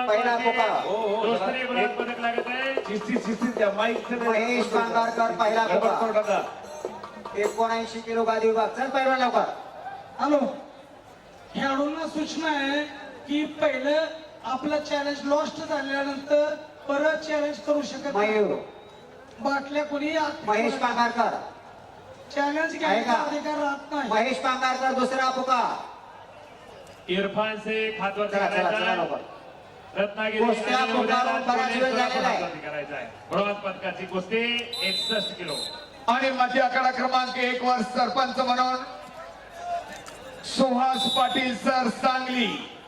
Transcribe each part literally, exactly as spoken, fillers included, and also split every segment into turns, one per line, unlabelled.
पहिला पुकार
दुसरी ब्रॉन्झ पदक लागत आहे
शिस्ती शिस्ती त्या माईक
महेश पांगारकर पहिला पुकार एकोणऐंशी किलो गादी विभाग. चल पहिला लवकर.
हॅलो, खेळाडूंना सूचना आहे की पहिलं आपलं चॅलेंज लॉस्ट झाल्यानंतर परत चॅलेंज करू शकत नाही.
मयूर
बाटल्या कोणी
महेश पांगारकर
चॅलेंज घ्यायचा अधिकार राहत नाही.
महेश पांगारकर दुसरा पुकार.
इरफान शेख हातवर
चला चला चला
करायचा
लवकर.
रत्नागिरी
कुस्त्या
आणि उद्या
पुकारून बराच वेळ झालेला आहे.
करायचा आहे. ब्रॉन्झ पदकाची कुस्ती एकसष्ट किलो.
आणि माझी आकडा क्रमांक एक वर सरपंच म्हणून सुहास पाटील सर सांगली.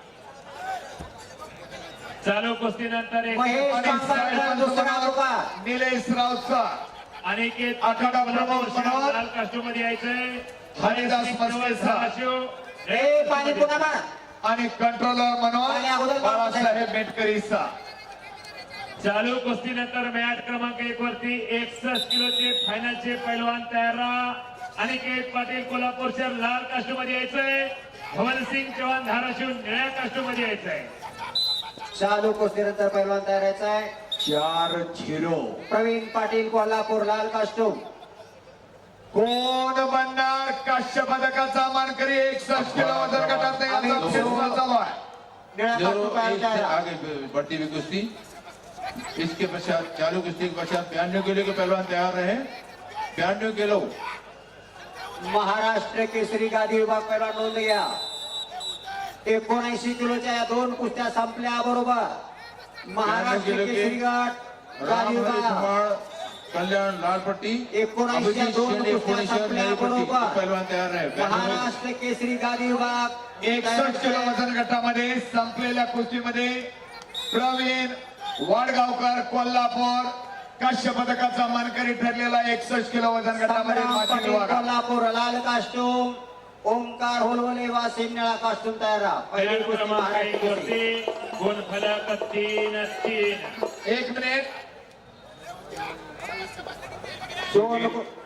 चालू कुस्तीनंतर एक
महेश पांगारकर दुसरा पुकार.
निलेश राऊतचा
अनिकेत
आखाडा प्रमुख म्हणून
लाल कास्ट्यूम मध्ये यायचंय.
हरिदास मस्केचा
ए पाणी पुन्हा मार.
आणि कंट्रोलर
पाणी
म्हणून
अगोदर
बाळासाहेब मेटकरीचा.
चालू कुस्तीनंतर मॅच क्रमांक एक वरती एकसष्ट किलोचे फायनलचे पैलवान तयार राहा. अनिकेत पाटील कोल्हापूर शहर लाल कास्ट्यूम मध्ये यायचंय. भवनसिंग चव्हाण धाराशिव निळ्या कास्ट्यूम मध्ये यायचंय.
चालू कुस्तीनंतर पहिलवान तयार यायचा आहे.
चार झिरो.
प्रवीण पाटील कोल्हापूर लाल कास्टूम.
कोण बनणार काश्य पदकाचा मानकरी? एकसष्ट किलो वजन गटात याचा प्रयत्न चालू आहे.
निळ्या
जो
कास्टूम तयार
एक से
तयार.
आगे बढ़ती हुई कुश्ती, इसके पश्चात चालू कुश्ती के पश्चात बयानवे किलो के पहलवान तैयार रहे. बयानवे किलो
महाराष्ट्र केसरी गादी विभाग पहिला नोंद घ्या. एकोणऐंशी किलोच्या या दोन कुस्त्या संपल्या बरोबर. महाराष्ट्र
किलो के
केसरी गट गादी
राम हरी
विभाग
धुमाळ, कल्याण लाल पट्टी,
एकोणऐंशी
अभिजीत
दोन
शिंदे
कुस्त्या
पुणे शहर
संपल्या
नई पट्टी के
बरोबर.
पहलवान तैयार रहे.
महाराष्ट्र केसरी गादी विभाग
एकसष्ट किलो वजन गटामध्ये संपलेल्या कुस्तीमध्ये प्रवीण वाडगावकर कोल्हापूर काश्य पदकाचा मानकरी ठरलेला एकसष्ट किलो वजन गटामध्ये
संग्राम
माजी
पाटील
विभागात.
कोल्हापूर लाल कास्टूम. ओमकार होलवले वासिम निळा कास्टूम तयार राहा. पहिली
मॅच
कुस्ती
क्रमांक
महाराष्ट्र
एक
केसरी.
वरती गुणफलक तीन तीन.
एक मिनिट.
दोन